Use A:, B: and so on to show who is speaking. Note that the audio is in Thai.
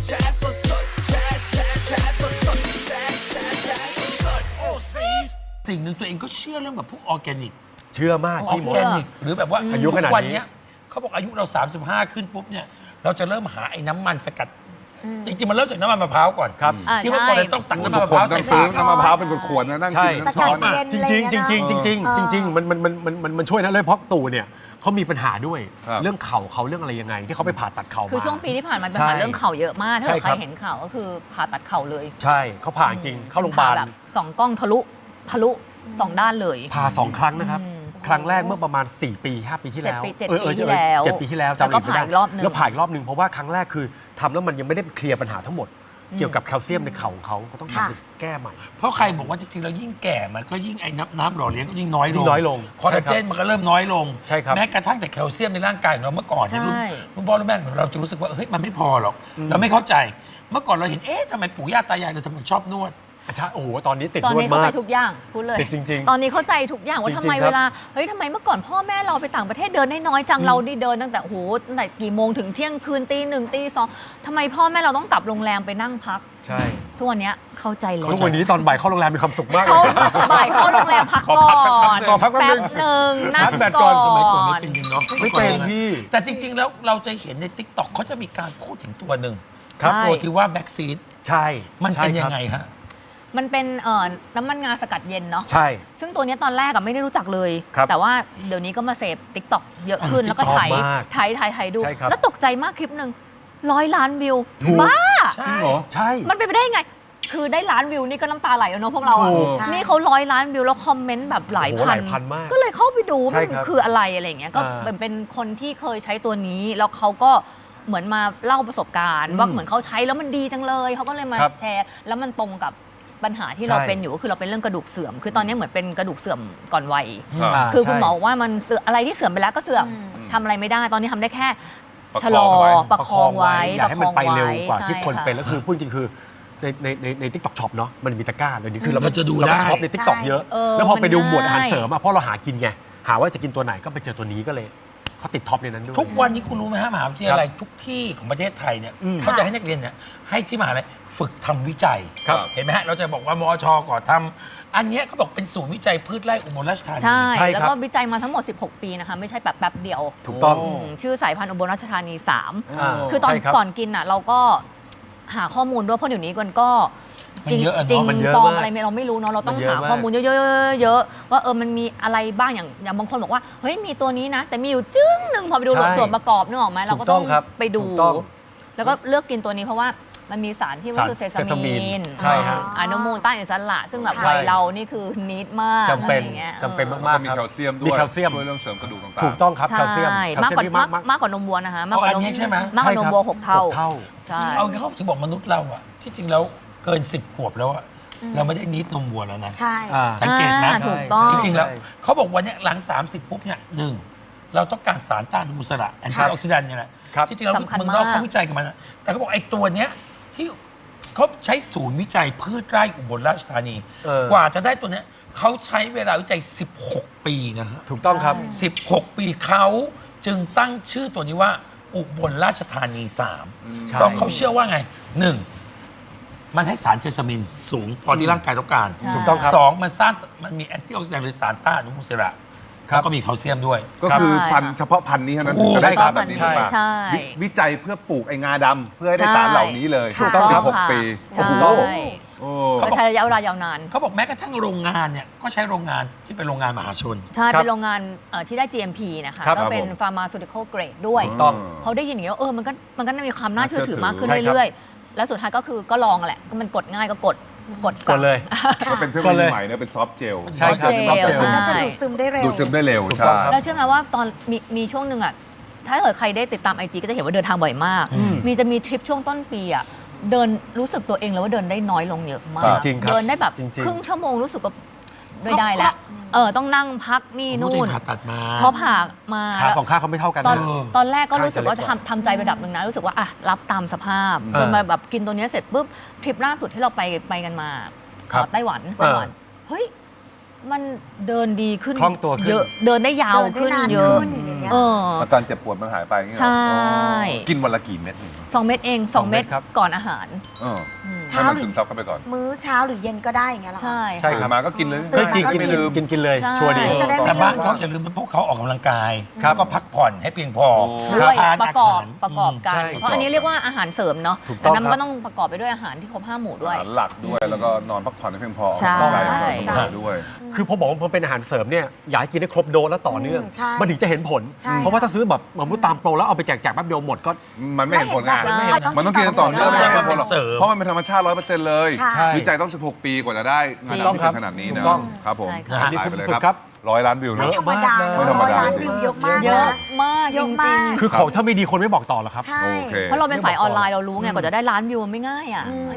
A: สิ่งหนึ่งตัวเองก็เชื่อเรื่องแบบพวกออร์แกนิก
B: เชื่อมาก
A: ออ
B: พี่
A: ร์
B: หม
A: แก
B: ด
A: นิกหรือแบบว่า
B: อายุขนาดนี้
A: ทุกวันเนี้ยเขาบอกอายุเรา 35 ขึ้นปุ๊บเนี่ยเราจะเริ่มหาไอ้น้ำมันสกัด จริงๆมันเริ่มจากน้ำมันมะพร้าวก่อน
B: ครับ
A: ที่เมื่อก่อนเราต้องตักน้ำมันมะพร้าว
C: ต้
A: ใส่
C: องซื้
A: ปา
C: อก น้ำมะพร้าวเป็นขวดๆนะนั่งกิน
B: ใช่
C: น้ำช้อน
D: เย็น
B: จริงจริงจริงจริงจริงจริงจริงมันช่วยนะเลยเพราะตู่เนี่ยเขามีปัญหาด้วย
C: ครับ
B: เรื่องเข่าเขาเรื่องอะไรยังไง ที่เขาไปผ่าตัดเข่ามา
E: คือช่วงปีที่ผ่านมาเป็น
B: ใช่
E: ปัญหาเรื่องเข่าเยอะมากถ้า
B: ใช่
E: เกิด
B: ค
E: ใค
B: รั
E: ร
B: บ
E: เห็นข่าวก็คือผ่าตัดเข่าเลย
B: ใช่เขาผ่าจริงเข้าโรงพยาบาล
E: ผ่แบบสองกล้องทะลุสองด้านเลย
B: ผ่า2 ครั้งนะครับ ครั้งแรกเมื่อประมาณ4 ปี 5 ปีที่แล้ว
E: เจ็ดปีที่แล้ว
B: 7 ปีที่แล้วจำ
E: แล้วก็
B: ไม่ได้
E: ผ่าอีกรอบหนึ่ง
B: แล้วผ่าอีกรอบหนึ่งเพราะว่าครั้งแรกคือทำแล้วมันยังไม่ได้เคลียร์ปัญหาทั้งหมด เกี่ยวกับแคลเซียมในเข่าของเขาก็ต้อง
D: ค่ะ
B: ทำไปแก้ใหม่
A: เพราะใครบอกว่าจริงๆเรายิ่งแก่มันก็ยิ่งไอ้น้ำหล่อเลี้ยงก็ยิ่งน้อยล
B: ยิ่
A: ง
B: งน้อยลง
A: คอลลาเจนมันก็เริ่มน้อยลง
B: ใช่ครับ
A: แม้กระทั่งแต่แคลเซียมในร่างกายของเราเมื่อก่อนเนี่ย
E: ใช่
A: รุ่นพ่อรุ่นแม่เราจะรู้สึกว่าเฮ้ยมันไม่พอหรอกเราไม่เข้าใจเมื่อก่อนเราเห็นเอ๊ะทำไมปู่ย่าตายายเราทำไมชอบนวด
B: ใช่โอ้โหตอนนี้ติด
E: ตอน
B: นวด
E: นี้เข้าใจ
B: มาก
E: ทุกอย่างพูดเลย
B: ติดจริงๆ
E: ตอนนี้เข้าใจทุกอย่างว่า
B: จริงๆ
E: ทำไม
B: ครับ
E: เวลาเฮ้ยทำไมเมื่อก่อนพ่อแม่เราไปต่างประเทศเดินได้น้อยจังเรานี่เดินตั้งแต่โอ้โหตั้งแต่กี่โมงถึงเที่ยงคืนตี 1ตี 2ทำไมพ่อแม่เราต้องกลับโรงแรมไปนั่งพัก
B: ใช่
E: ทุกวันเนี้ยเข้าใจเลย
B: ทุกวันนี้ตอนบ่ายเข้าโรงแรมมีความสุขมาก
E: เขาบ่ายเข้าโรงแรมพักก่อน
B: ขอพักแป๊บนึง
E: หนึ่งนั่
B: ชาง ร์จแบตก่
E: ก่
B: อ
E: อน น
A: สมัยก่อนไม่เป็นกันเนาะ
B: ไม่เป็นพี่
A: แต่จริง ๆ แล้วเราจะเห็นในทิกตอกเขาจะมีการพูดถึงตัวหนึ่ง
B: ครับ
E: ใช่
A: ตัวที่ว่าแบ็กซีด
B: ใช่
A: มันเป็น
B: ใช่
A: ยั
B: ครับ
A: งไงฮะ
E: มันเป็นน้ำมันงาสกัดเย็นเนาะ
B: ใช่
E: ซึ่งตัวเนี้ยตอนแรกอะไม่ได้รู้จักเลย
B: ครับ
E: แต่ว่าเดี๋ยวนี้ก็มาเสพติ๊กต็อกเยอะขึ้น แล้วก็
B: ชอบ
E: ถ่าย
B: มาก
E: ถ่ายดู
B: ใช่ครับ
E: แล้วตกใจมากคลิปหนึ่ง100 ล้านวิว
B: ถูก
E: บ้า
A: ใช่
C: จริงเหรอ
B: ใช่
E: มันเป็นไปได้ไง คือได้ล้านวิวนี่ก็น้ำตาไหลแล้วเนาะพวกเราอะ
B: ถูก
D: ใช่
E: นี่เขา100 ล้านวิวแล้วคอมเมนต์แบบหลาย
B: โอ้โห
E: พั
B: หลายพันมาก
E: ก็เลยเข้าไปดู
B: ใช่
E: มัน
B: ครับ
E: คืออะไรอะไรอย่างเงี้ย ก็
B: อ่า
E: เป็นคนที่เคยใช้ตัวนี้ แล้วเขาก็เหมือนมาเล่าประสบการณ์ ว่าเหมือนเขาใช้แล้วมันดีจังเลย เขาก็เลยมา
B: ครับ
E: แชร์ แล้วมันตรงกับปัญหาที่เรา
B: ใช่
E: เป็นอยู่ก็คือเราเป็นเรื่องกระดูกเสื่อม คือตอนนี้เหมือนเป็นกระดูกเสื่อมก่อนวัย
C: ครับ
E: คือคุณหมอ
B: ใช่
E: บอกว่ามันเสื่อมอะไรที่เสื่อมไปแล้วก็เสื่อม
D: อืม
E: ทำอะไรไม่ได้ ตอนนี้ทำได้แค่
C: ประ
E: ชะ
C: ค
E: ล
C: อง
E: อ
C: ไว้
E: ประคองไว้
B: อยากให้มันไปเร็วกว่าที่คนเป็น
E: ใช่
B: แล้วคือพูดจริงคือในทิกตอกช็อปเนาะมันมีตะกร้าเลยนี่คือเรา
A: เราจะดู
B: เราก็
A: ได้
B: ช็อปในทิกตอก
D: ใช่
B: เยอะ
E: เออ
B: แล้วพอไปดู
E: มัน
B: หมวดอาหาร
E: ง่าย
B: เสริมอะเพราะเราหากินไงหาว่าจะกินตัวไหนก็ไปเจอตัวนี้ก็เลยเขาติดท็อปในนั้นด้วย
A: ทุกวันนี้คุณรู้ไหมฮะมหาวิทยาลัยทุกที่ของประเทศไทยเนี่ย
B: อืม
A: เขาจะให้นักเรียนเนี่ยให้ที่มหาลัยฝึกทำวิจัย
B: ครับ
A: เห็นไหมฮะเราจะบอกว่ามอชก่อทำอันเนี้ยเขาบอกเป็นศูนย์วิจัยพืชไร่อุบลราชธานี
E: ใช่
B: ใช่ครับ
E: แล้วก็วิจัยมาทั้งหมด 16 ปีนะคะ ไม่ใช่แบบแป๊บเดียว
B: ถูกต้อง
E: ชื่อสายพันธุ์อุบลราชธานี
B: อ่า
E: 3 คือตอน
B: ใช่ครับ
E: ก่อนกินอ่ะเราก็หาข้อมูลด้วยเพราะเดี๋ยวนี้มันก็จริง
A: มันเยอะอะเนอะ
E: จริง
B: มันเยอะ
E: ปลอม
B: มาก
E: อะไรเราไม่รู้เนาะเราต้อง
B: มันเยอะ
E: หาม
B: าก
E: ข้อมูลเยอะๆว่ามันมีอะไรบ้างอย่างบางคนบอกว่าเฮ้ยมีตัวนี้นะ แต่มีอยู่จึ้งหนึ่งพอไปดู
B: ใช่
E: ส่วนประกอบนึกออกไหมเราก็
B: ถูกต้
E: ต้
B: อ
E: อง ง
B: ครับ
E: ไปดู
B: ถูกต้อง
E: แล้วก็เลือกกินตัวนี้เพราะว่ามันมีสารที่ว่าคือเซ
B: เซซามี
E: ซามี
B: น
E: น
B: ใช่ฮะ
E: อะนุมูลต้านอินซัลละซึ่งแบบ
B: ใช่
E: วัยเรานี่คือนิดมาก
B: จำเป็น
E: อะไรอย่างงี้ย
B: จำเป็น
E: ออ
B: มาก
C: มี
B: ๆครับ
C: แคลเซียมด้ว
B: มี
C: ย
B: แคลเซียม
C: ช่วยเรื่องเสริมกระดูกต่างๆ
B: ถูกต้องครับแคลเซียม
E: ใช่
B: แคล
E: มาก
B: เซีย
E: กว่าม
B: นี่มาก
E: มากกว่านมวัวนะคะมากกว่า
A: อ๋ออันนี้ใช่ไหม
E: มากกว่านมวัว6 เท่า
B: 6 เท่า
E: ใช่
A: เอางี้เขาถึงบอกมนุษย์เราอะที่จริงแล้วเกิน 10 ขวบแล้วอะเราไม่ได้นิดนมวัวแล้วนะ
D: ใช่
B: อ่า
A: สังเกตไหม
E: ถูกต้อง
A: จริงๆแล้ว
B: ใช่
A: เขาบอกวันเนี้ยหลัง 30 ปุ๊บเนี่ยหนึ่งเราต้องการสารต้านอนุมูลอิสระแอนตี้ออกซิแดนต์เนี่ยแหละ
B: ครับ
A: ที่จริงแล้ว
E: สำคัญ
A: เมืองนอก
E: มาก
A: เขาวิจัยกันมานะแต่เขาบอกไอ้ตัวเนี้ยที่เขาใช้ศูนย์วิจัยพืชไร่อุบลราชธานี กว่าจะได้ตัวเนี้ยเขาใช้เวลาวิจัย 16 ปีนะฮะ
B: ถูกต้องครับ
A: 16 ปีเขาจึงตั้งชื่อตัวนี้ว่าอุบลราชธานี
B: ใช่
A: 3เพราะเขาเชื่อว่าไง 1. มันให้สารเซซามินสูงพอที่ร่างกายต้องการ
E: ใช่
B: ถูกต้องครับ
A: 2. มันมีแอนตี้ออกซิแดนต์หรือสารต้านอนุมูลอิสระ
B: ครับ
A: แล้วก็มีแคลเซียมด้วย
C: ก็คือ
E: ใช่
C: พันธุ์เฉพาะพันธุ์นี้เท่านั้น
A: โอ้
C: ถึงจะได้
B: ใช่ครั
C: สา
B: บ
C: รแบบนี้
E: ใช่
C: ถูกปะ
E: ใช่
C: วิจัยเพื่อปลูกไอ้งาดำเพื่อให้ได้
E: ใช่
C: สารเหล่านี้เลย
E: ถูกต้อง
C: 16
E: ค่ะ
C: ปี
E: ใช่
C: โอ้โหโอ้
E: ก็ใช้ระยะเวลายาวนาน
A: เขาบอกแม้กระทั่งโรงงานเนี่ยก็ใช้โรงงานที่เป็นโรงงานมหาชน
E: ใช่
B: ครับ
E: เป็นโรงงานที่ได้ GMP นะคะ
B: ครับ
E: ก็เป็น
C: ผม
E: pharmaceutical grade ด้วย
B: ถูกต้อง
E: เขาได้ยินอย่างนี้แล้วมันก็มีความน่าเชื่อถือมากขึ้น
B: ใช่ครับ
E: เรื่อยๆ แล้วสุดท้ายก็คือก็ลองแหละก็มันกดง่ายก็กด
B: ก
E: สั่
B: ด
E: ง
B: เลย
C: ก็เป็นเทคโน
B: ก็
C: โล
B: เล
C: ยี
B: ย
C: ใหม่เนี่ยเป็นซอฟต์เจล
B: ใช่ครับ
E: ซอฟต์เจล
D: มันก็จะดูดซึมได้เร็ว
C: ดูดซึมได้เร็ว
B: ถูกต้อง
C: ใช่
B: ครับ
E: แล้วเชื่อไหมว่าตอนมีช่วงหนึ่งอ่ะถ้าเกิดใครได้ติดตาม IG ก็จะเห็นว่าเดินทางบ่อยมาก จะมีทริปช่วงต้นปีอ่ะเดินรู้สึกตัวเองแล้วว่าเดินได้น้อยลงเยอะมาก
B: จริงๆครับ
E: เดินได้แบบ
B: จริงๆ
E: ครึ่งชั่วโมงรู้สึกว่าไม่ได้แล้วต้องนั่งพักนี่
A: นู่
E: นู่
A: น
E: น
A: ผ่าตัดมา
E: เพราะผ่ามา
B: ขาสองข้างเขาไม่เท่ากัน
E: ตอน
B: นะ
E: ตอนแรกก็รู้สึกว่า
B: ข้างจะ
E: จะ
B: เล็กกว่า
E: ทำใจระดับหนึ่งนะรู้สึกว่าอ่ะรับตามสภาพ
B: เออ
E: จนมาแบบกินตัวเนี้ยเสร็จปุ๊บทริปล่าสุดที่เราไปกันมา
B: ครับ
E: ไต้หวันเฮ้ยมันเดินดีขึ้น
B: คล่องตัวขึ้น
E: เยอะเดินได้ยาว
D: เดินได้
E: ขึ้น
D: นาน
E: เยอะ
D: ขึ้นอย่างเงี้ย
E: เออ
C: อาการเจ็บปวดมันหายไปอย่างเงี้ยเหรอ
E: ใช่
C: กินวันละกี่เม็ด
E: 2 เม็ดเอง 2 เม็ด
B: ครับ
E: ก่อนอาหาร
C: เออ
D: เช้า
C: ให้มัน
D: หรือ
C: ซึมซับเข้าไปก่อน
D: มื้อเช้าหรือเย็นก็ได้อย่างเงี้ยเหรอคะ
E: ใช่
B: ใช่ครับ
C: ตื่นมาก็กินเลย
B: เฮ้ยจริงกิน
C: ไม่ลืม
B: กินเลย
E: ใช่
B: ชัวร์ดี
D: จะได้ไม่
A: แต่บ้านเขาอย่าลืมเป็นพวกเขาออกกำลังกาย
B: ครับ
A: แล้วก็พักผ่อนให้เพียงพอ
C: โอ้
E: ด้วย
A: ทาน
E: ประกอบ
A: าหา
E: ประกอบกัน
B: ใช่
E: เพราะอันนี้เรียกว่าอาหารเสริมเนาะ
B: ถูกต้อง
E: แต่นั้น
B: ครับ
E: ก็ต้องประกอบไปด้วยอาหารที่ครบ5 หมู่ด้วย
C: อาหารหลักด้วยแล้วก็นอนพักผ่อนให้เพียงพอ
E: ใช่
C: ออกกำลังกายอย่างสม่ำเสมอด้วย
B: คือพอบอกว่ามันเป็นอาหารเสริมเนี่ยอยากให้กินให้ครบโดสแล้วต่อเนื่อง
D: ใช่
B: มันถึงจะเห็นผล
D: ใช่
B: เพราะว่าถ้าซื้อแบบเหมือนตามโปรแล้วเอาไปแจกแป๊บเดียวหมดก็
C: มันไม่เห็นผลงาน
D: ไม่เห็นผล
C: มันต้องกินต่อเนื่อง
A: ไม่
C: ไม่
A: ใช่
C: ใช่
A: ว่า
C: ผ
A: เป็
C: ล
A: น
C: หรอก
A: เสริม
C: เพราะมันเป็นธรรมชาติ 100%เลย
D: ค่ะ
B: ใช่
C: วิจัยต้อง 16 ปีกว่าจะได้งาน
E: จริง
C: ดำที่เป็นขนาดนี้
B: ถู
C: นะ
B: กต้อง
C: ครับผม
E: ใช่ค่ะ
C: ขายไปเลย
B: สุด
C: ค
B: ครั
C: รับ 100 ล้านวิว
D: ไม่
C: นะ
D: ธรรมดา
C: ไม่ธรรมดา
D: 100 ล้านวิวเยอะมาก
E: เยอะ
D: นะ
E: มาก
D: เย
E: จ
D: อะ
E: ริ
D: มาก
E: ง
B: คือของถ้าไม่ดีคนไม่บอกต่อหรอกครับ
D: ใช่
C: โอเค
E: ๆเพราะเราเป็นฝ่ายออนไลน์เรารู้ไงกว่าจะได้ล้านวิวมันไม่ง่ายอ่ะ